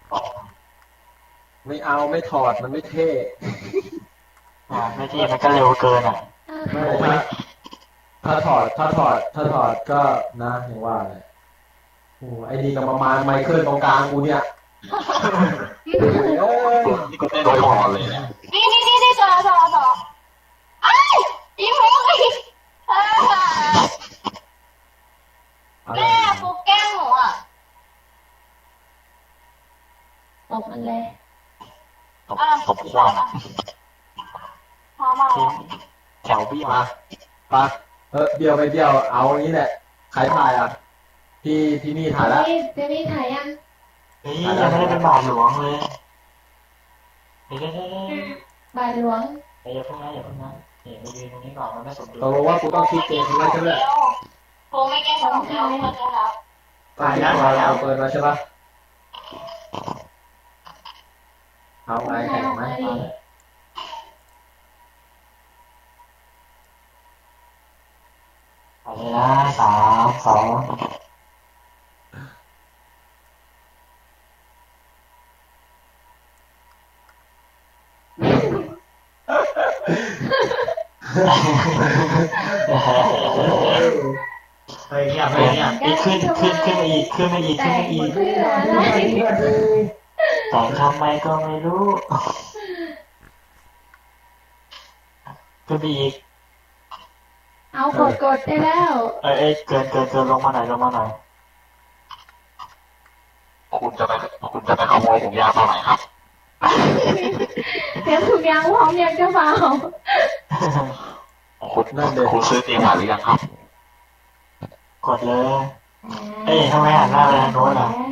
ไม่เอาไม่ถอดมันไม่เท่ไม่ที่มันก็เร็วเกินอ่ะไม่ถ้าถอดก็นะอย่างว่าเลยโอ้ไอ้นี่ก็ประมาณไมเคิลตรงกลางกูเนี่ยเอ้ยนี่ก็เต้นโดยคอเลยเนี่ยนี่ต่อไอ้ยิ้มหัวอีกแม่ฟุกแกล้งหนูอ่ะตบมันเลยตบความพอมาแถวบี้มามาเบี้ยวไปเบี้ยวเอาอย่างนี้แหละใครถ่ายอ่ะที่นี่ถ่ายแล้วเจนี่ถ่ายยังนี่ยังไม่ได้เป็นบาทหลวงเลยเดี๋ยวบายหลวงอย่าเพิ่งนะอย่าเพิ่งนะนี่มายืนตรงนี้ก่อนมันไม่สมดุลตกลงว่ากูต้องคิดเองใช่ไหมโค้ไม่แกล้งของเขาเขาจะรับถ่ายนะเอาเปิดมาใช่ปะเอาไงแข่งไหมไปเลยนะ3 2 เฮ้ยเนี่ยขึ้นมาอีกขึ้นมาอีกเพื่ออะไรแต่ทำไมก็ไม่รู้ขึ้นไปอีกเอากดได้แล้วเกินลงมาหน่อยคุณจะไปขโมยผมยาวตอนไหนครับเตรียมถุงยางพร้อมยังเจ้าบ่าวคุณซื้อเตรียมมาหรือยังครับกดเลยทำไมหันหน้าไปทางโน้นอ่ะแล้